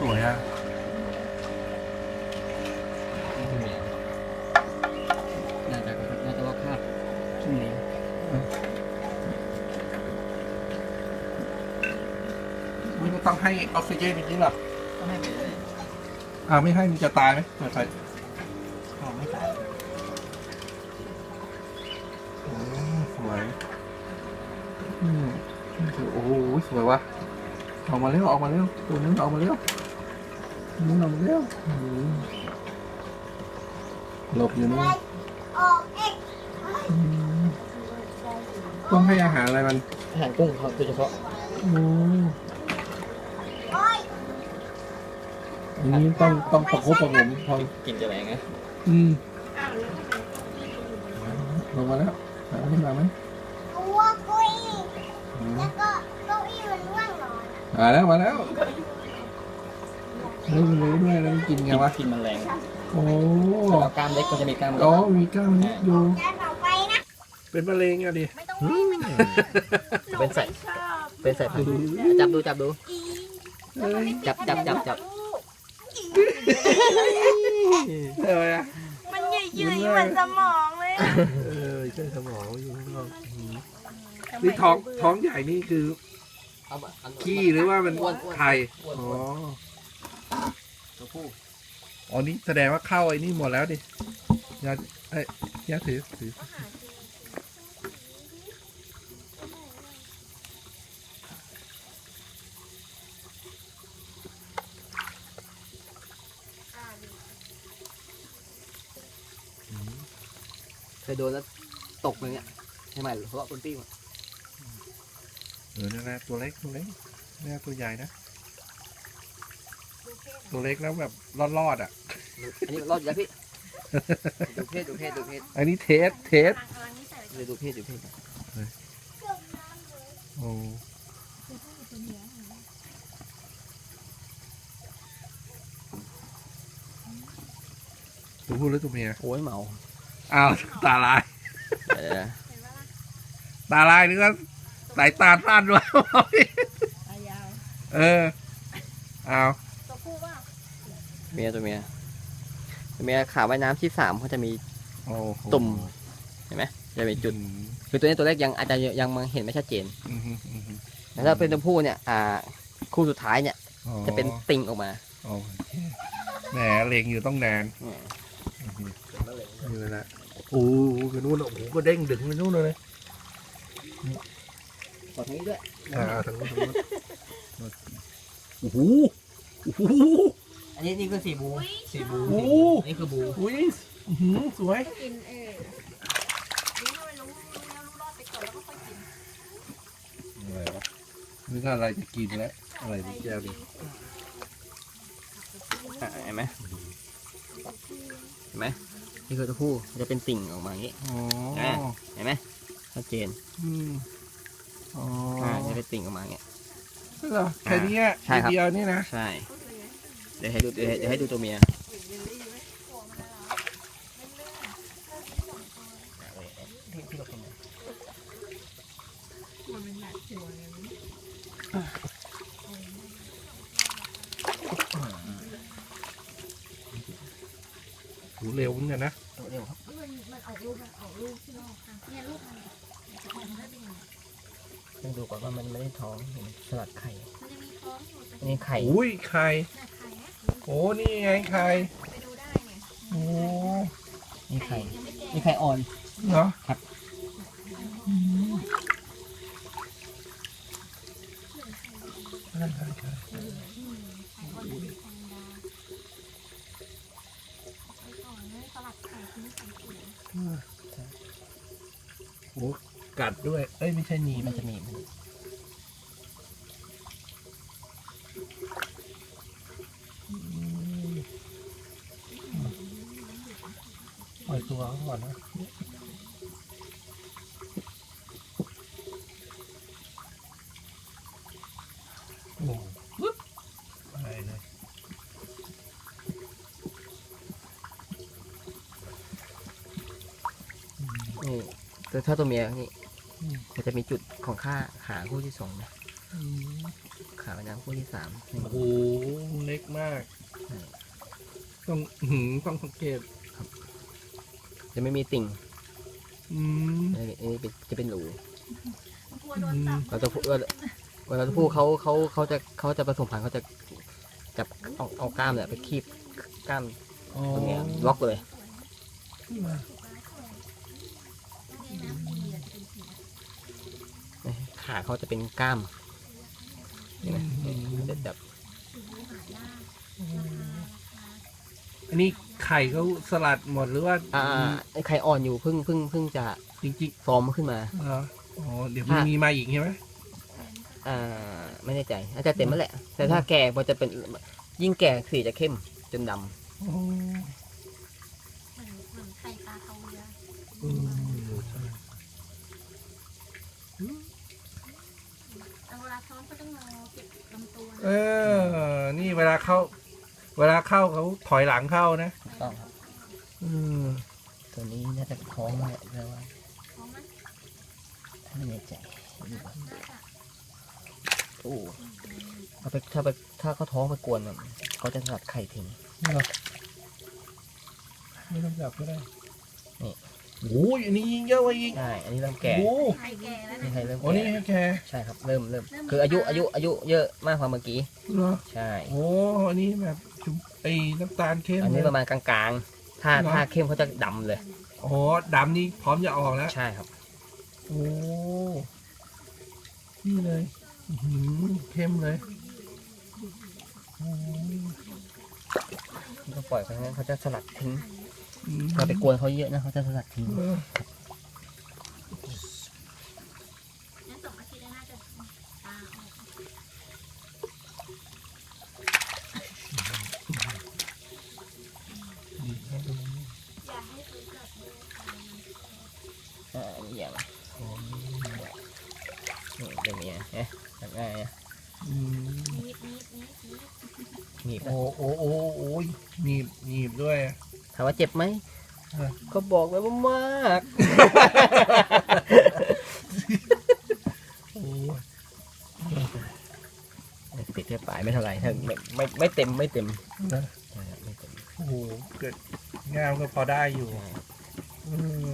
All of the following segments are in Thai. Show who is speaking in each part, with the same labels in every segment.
Speaker 1: วยอ่ะ
Speaker 2: น่าจะว่าคาบชุ่มนี้
Speaker 1: มันก็ต้องให้ออกซิเจนจริงๆหรอ
Speaker 2: ก็ให้ไปเลย
Speaker 1: ไม่ให้มันจะตายไหมไม่ไป
Speaker 2: เขาไม่ตาย
Speaker 1: สวยโอ้โหสวยวะออกมาเร็วออกมาเร็วตัวนึงออกมาเร็วนึงออกมาเร็วหลบอยู่นี่ต้องให้อาหารอะไรมัน
Speaker 2: อาหารกุ้งเขาโดยเฉพาะ
Speaker 1: อันนี้ต้องประคบประหงมพอ
Speaker 2: กินจะแรงไง
Speaker 1: ลงมาแล้วขึ้นมาไหม
Speaker 3: ตัวกุ้ยแล้วก็เก้าอี้มันว่างนอน
Speaker 1: มาแล้วเฮ้ยมันรู้ด้วยแล้วมันกินไงวะ
Speaker 2: กินมันแรง
Speaker 1: โอ้
Speaker 2: แล้วกล้ามเล็กก็จะมีกล้ามเล็ก
Speaker 1: มีกล้ามนิดอยู่
Speaker 3: จะต่อไปนะ
Speaker 1: เป็นมะเร็งอะดิ
Speaker 3: ไม่ต้องวิ่งไม่ต้อง
Speaker 2: เป็นใส่ผักจับดู
Speaker 1: เฮ้ย
Speaker 2: จับ
Speaker 1: เออ
Speaker 3: มันใหญ่ๆเหมือนสมองเลย
Speaker 1: ใช่สมองอยู่ข้างนอกนี่ท้องใหญ่นี่คือขี้หรือว่ามันไข่อ๋อ
Speaker 2: ตัวผู้
Speaker 1: อ๋อนี่แสดงว่าเข้าไอ้นี่หมดแล้วดิยาย่าถือ
Speaker 2: เคยโดนแล้วตกอย่างเงี้ยใช่ไหมเพราะว่าคนปิ้ง
Speaker 1: นั่นแหละตัวเล็กนี่ตัวใหญ่นะตัวเล็กแล้วแบบรอดอ่ะ
Speaker 2: อันนี้รอดอยู่แล้วพี่ดูเพศ
Speaker 1: อันนี้เทส
Speaker 2: เลยดูเพศ
Speaker 1: โอ้ตัวผู้หรือตัวเมีย
Speaker 2: โอ้ยเมา
Speaker 1: อ้าวตาลายนึกว่าสายตาสั้นวะเอา
Speaker 3: ตัวผู้ว่า
Speaker 2: ตัวเมียขาว่ายน้ำที่3เขาจะมี
Speaker 1: โอ้โห
Speaker 2: ตุ่ม เห็นไหมจะเป็นจุดคือตัวนี้ตัวแรกยังอาจจะยังมองเห็นไม่ชัดเจนแต่ถ้าเป็นตัวผู้เนี่ยคู่สุดท้ายเนี่ยจะเป็นติ่งออกมา
Speaker 1: โอเคแหมเล็งอยู่ต้องนานนี่แหละโอ้โหกระนู้นโอ้โหก็เด้งดึงไปนู้นเลย
Speaker 2: ขอทางนี้ด้วย
Speaker 1: ทางนู้นโอ้โห
Speaker 2: อันนี้นี่คือสีบู
Speaker 1: โอ้
Speaker 2: นี่คือบู
Speaker 1: อุ้ยสวย
Speaker 3: กินรู้ให้มันรู้รอดไปก่อนแล้วก็ค่อยกิน
Speaker 1: อะไรวะนึกว่าอะไรจะกินแล้วอะไรนี่แก้วดิ
Speaker 2: เห็นไหมนี่คือตัวผู้จะเป็นติ่งออกมาอย่างนี้
Speaker 1: อ๋อ
Speaker 2: เห็นไหมชัดเจน
Speaker 1: อ๋อ
Speaker 2: จะเป็นติ่งออกมาอย่างนี้
Speaker 1: เหรอแค่นี้
Speaker 2: ใช่ครับ
Speaker 1: เดียวนี่นะ
Speaker 2: ใช่เดี๋ยวให้ดูตัวเมีย
Speaker 1: เร็วเหมือนกันนะ
Speaker 2: เร็วครับ
Speaker 3: มันออกลูกที่นอกค่ะเนี่ยลูกมันจะเป็นยังไง
Speaker 2: ต้องดูก่อนว่ามันไม่ได้ท้องสลัดไข่
Speaker 3: มันจะมีท้องอยู่แต่
Speaker 2: นี่ไข่
Speaker 1: อุ้ยไข่
Speaker 3: หน้าไข่นะ
Speaker 1: โอ้นี่ไงไข่
Speaker 3: ไปดูได้เนี่ย
Speaker 1: โอ้
Speaker 2: นี่ไข่
Speaker 3: ยังไม่แก่
Speaker 2: นี่ไข่อ่อน
Speaker 1: เหรอโอ้กัดด้วยเอ้ยไม่ใช่หนี
Speaker 2: มันจะหนีบ
Speaker 1: ปล่อยตัวเขาก่อนนะโอ้ปึ๊บไปเลย
Speaker 2: นี่ถ้าตัวเมียนี่มันจะมีจุดของขาคู่ที่2นะขาแม่น้ำคู่ที่3
Speaker 1: โอ้โหเล็กมากต้องต้องสังเกต
Speaker 2: จะไม่มีติ่ง
Speaker 1: อืม
Speaker 2: อันนี้จะเป็นหลู
Speaker 4: กลัวโดนตับ
Speaker 2: เราจะพูดเวลาพูดเขาจะผสมพันธุ์เขาจะจับเอากล้ามเนี่ยไปคีบกล้าม
Speaker 1: อ๋อ
Speaker 2: ตรงเนี้ยล็อกเลย ขาเขาจะเป็นกล้ามเห็นไหมจะจับ
Speaker 1: อันนี้ไข่เขาสลัดหมดหรือว่า
Speaker 2: ไอ้ไข่อ่อนอยู่เพิ่งจะ
Speaker 1: จริง
Speaker 2: ฟอร์มขึ้นมา
Speaker 1: ๆเหรออ๋อเดี๋ยวมันมีมาอีกใช่ไหม
Speaker 2: ไม่แน่ใจอาจจะเต็มแล้วแหละ แต่ถ้าแก่มันจะเป็นยิ่งแก่สีจะเข้มจนดำ
Speaker 1: อ๋อ
Speaker 4: เหมือนไข่ปลาเทาเรือ
Speaker 1: อืมใช่
Speaker 4: แต่เวลาท้องก็ต้องงอเก็บลำตัว
Speaker 1: เออ นี่เวลาเข้าเขาถอยหลังเข้านะ
Speaker 2: ถูกต้องครับ
Speaker 1: อืม
Speaker 2: ตัวนี้น่าจะท้องมาแล้วว่า
Speaker 4: ท้องมัน
Speaker 2: ไม่แน่ใจ
Speaker 4: น่าจะ
Speaker 2: โอ้ถ้าเขาท้องไปกวนมันเขาจะสลัดไข่ทิ้ง
Speaker 1: ไม่ต้องจับก็ได้
Speaker 2: นี่
Speaker 1: โอ้ยอันนี้ยิงเยอะกว่าอีก
Speaker 2: ใช่อันนี้เริ่มแก่
Speaker 1: โอ้
Speaker 4: ไข่แก่แล้ว
Speaker 2: นี่
Speaker 4: นะ
Speaker 2: ไข่เริ่ม
Speaker 1: โอ้นี่
Speaker 2: แก่
Speaker 1: แค่
Speaker 2: ใช่ครับเริ่มคืออายุเยอะมากกว่าเมื่อกี้
Speaker 1: เหรอ
Speaker 2: ใช่
Speaker 1: โอ้อันนี้แบบชุบไอ้น้ำตาลเข้ม
Speaker 2: อันนี้
Speaker 1: เลย
Speaker 2: ประมาณกลางๆ ถ้าเข้มเขาจะดำเลย
Speaker 1: อ๋อดำนี่พร้อมจะออกแล้ว
Speaker 2: ใช่ครับ
Speaker 1: โอ้นี่เลยอื้อหือเข้มเลยโอ้
Speaker 2: ก็ปล่อยไปงั้นเขาจะสลัดทิ้ง
Speaker 1: อืม
Speaker 2: เราไปกวนเขาเยอะนะเขาจะสลัดทิ้ง
Speaker 1: เออ
Speaker 4: งั้น2 อาทิตย์แล้วน่าจะตาออก
Speaker 1: ดีครับดู
Speaker 4: อยากให้ซื้อกับดู
Speaker 2: อันนี้อย่าง
Speaker 1: อ๋อ
Speaker 2: นี่เป็นอย่างเงี้ยแบบง่ายนะ
Speaker 1: อืม
Speaker 4: นิด
Speaker 2: หนีบ
Speaker 1: โอ้โอ้โอ้โอ้ยหนีบด้วย
Speaker 2: ถามว่าเจ็บไหม
Speaker 1: เออ
Speaker 2: ก็บอกเลยว่ามาก
Speaker 1: โอ้ย
Speaker 2: ติดแค่ปลายไม่เท่าไหร่ถ้าไม่เต็มไม่เต็ม
Speaker 1: นะ
Speaker 2: ใช่ครับไม่เต็ม
Speaker 1: โอ้โหเกิดงามก็พอได้อยู่
Speaker 2: ใช่
Speaker 1: อืม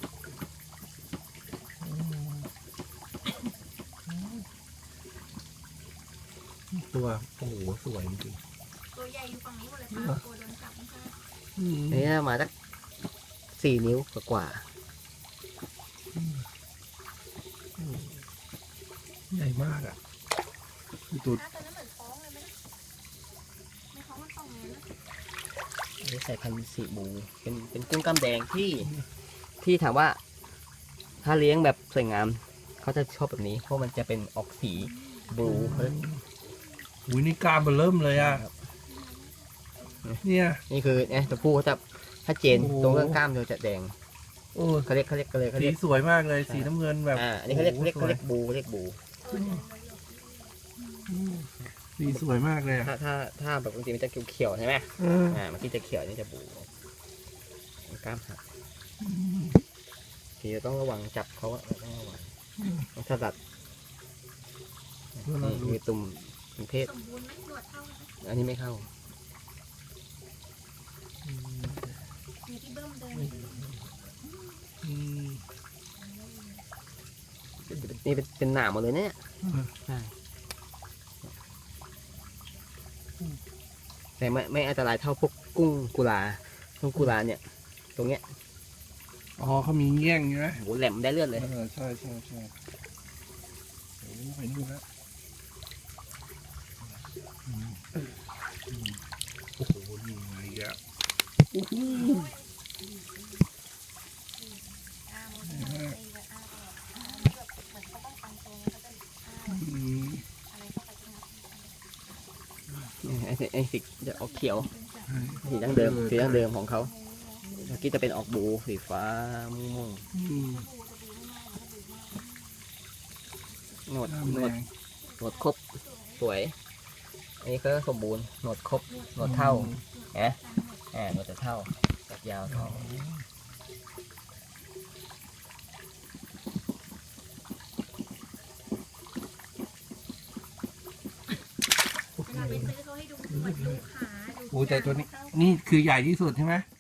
Speaker 1: ตัวโอ้โหสวยจริง
Speaker 4: ตัวใหญ่อยู่ฝั่งนี้หมดเลยป้ากลัวโดนจับไม่ใช่
Speaker 1: ๆอืม
Speaker 2: อันนี้มาสัก4 นิ้วกว่า
Speaker 1: ใหญ่มากอ่ะคือตัว
Speaker 4: ถ้าตัวนั้นเหมือนท้องเลยไหมในท้องมันป่องเลยนะ
Speaker 2: อันนี้ใส่พันธุ์สีบูเป็นกุ้งกล้ามแดงที่ถามว่า ถ้าเลี้ยงแบบสวยงามเขาจะชอบแบบนี้เพราะมันจะเป็นออกสีบลูเขาเรียก
Speaker 1: อุ้ยนี่กล้ามมันเริ่มเลยอ่ะ
Speaker 2: ครับ
Speaker 1: เนี่ย
Speaker 2: นี่คือเนี่ยตัวผู้เขาจะถ้าเจน
Speaker 1: โอ้โห
Speaker 2: ตรงเรื่องกล้ามจะแดง
Speaker 1: โอ้
Speaker 2: เขาเรียกเขา
Speaker 1: สี
Speaker 2: เรียก
Speaker 1: สวยมากเลย
Speaker 2: ใช่
Speaker 1: สีน้ำเงินแบบ
Speaker 2: อันนี้เขาเรียก
Speaker 1: โอ้โห
Speaker 2: เขาเรียกบู
Speaker 1: สีสวยมากเลยอ่ะ
Speaker 2: ถ้าแบบบางทีมันจะเขียวๆใช่ไหม
Speaker 1: เออ
Speaker 2: เมื่อกี้จะเขียวนี่จะบูกล้ามหักทีเราต้องระวังจับเขาอะเราต้องระวังต้องสลัดนี่คือตุ่มเพศ
Speaker 4: สมบูรณ์ไหมหนวดเท่าไหม
Speaker 2: อันนี้ไม่เข้า
Speaker 4: มีที่เบิ้มเดิน
Speaker 1: อืม
Speaker 2: นี่เป็นหนามหมดเลยเนี่ยใช่แต่ไม่อันตรายเท่าพวกกุ้งกุลาเนี่ย ตรงเนี้ย
Speaker 1: อ๋อเขามีเงี้ยงใช่ไหม
Speaker 2: โหแหลมได้เลือดเลย
Speaker 1: ใช่ใช่ใช่โอ้ไปนู่นแล้วโอ้โหนี่ไงอ่ะโอ้โห
Speaker 4: อ้าโมเดลตีแบบอ้าแบบเหมือนเขาต้องการตัวเขาจะอ้า
Speaker 1: อืม
Speaker 4: อะไรเข้าไปที่นับ
Speaker 2: ไอ้สีจะออกเขียว
Speaker 1: ใช่
Speaker 2: สีดั้งเดิมของเขาเมื่อกี้จะเป็นออกบูสีฟ้าม่วง
Speaker 1: อืม
Speaker 2: หนวด
Speaker 1: น้ำ
Speaker 2: หน
Speaker 1: แด
Speaker 2: วด
Speaker 1: ง
Speaker 2: หนวดครบสวย อันนี้ก็สมบูรณ์หนวดครบหนวดเท่านะหนวดจะเท่าตัดยาวเท่า
Speaker 4: ไปซื้อเขาให้ดูเหมือนลูกค้าดู
Speaker 1: โอ้แต่ตัวนี้นี่คือใหญ่ที่สุดใช่ไหม